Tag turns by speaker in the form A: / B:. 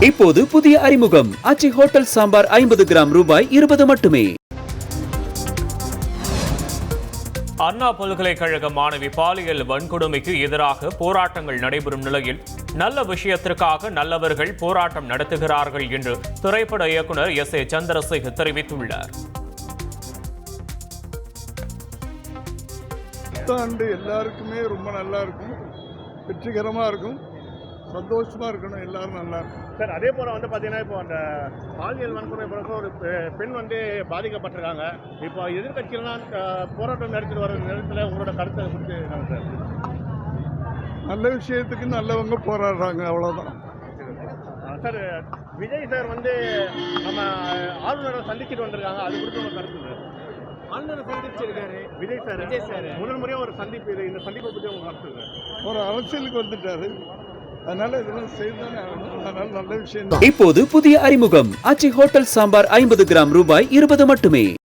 A: இப்போது புதிய அறிமுகம் ஆச்சி ஹோட்டல் சாம்பார் 50 கிராம் ரூபாய் 20 மட்டுமே.
B: அண்ணா பல்கலைக்கழக மாணவி பாலியல் வன்கொடுமைக்கு எதிராக போராட்டங்கள் நடைபெறும் நிலையில் நல்ல விஷயத்திற்காக நல்லவர்கள் போராட்டம் நடத்துகிறார்கள் என்று திரைப்பட இயக்குனர் S.A. சந்திரசேகர் தெரிவித்துள்ளார்.
C: புத்தாண்டு எல்லாருக்குமே ரொம்ப நல்லா இருக்கும், வெற்றிகரமாக இருக்கும், சந்தோஷமாக இருக்கணும், எல்லாரும் நல்லா இருக்கும்.
D: சார், அதே போல் பார்த்தீங்கன்னா இப்போ அந்த பாலியல் வன்கொடுமை பிறகு ஒரு பெண் பாதிக்கப்பட்டிருக்காங்க. இப்போ எதிர்கட்சிகள்லாம் போராட்டம் நடத்திட்டு வர நேரத்தில் உங்களோட கருத்தை குறித்து சார்?
C: நல்ல விஷயத்துக்கு நல்லவங்க போராடுறாங்க, அவ்வளோதான்.
D: சார், விஜய் சார் நம்ம ஆளுநரை சந்திச்சுட்டு வந்திருக்காங்க, அது குறித்து உங்கள் கருத்து சார்? ஆளுநரை சந்திச்சிருக்காரு விஜய் சார் முதல் முறையாக ஒரு சந்திப்பு, இந்த சந்திப்பை பற்றி உங்கள் கருத்து சார்?
C: ஒரு அரசியலுக்கு வந்துட்டாரு, அதனால இதெல்லாம் செய்தானே ஆகணும். அதனால நல்ல விஷயம்.
A: இப்போது புதிய அறிமுகம் ஆச்சி ஹோட்டல் சாம்பார் 50 கிராம் ரூபாய் 20 மட்டுமே.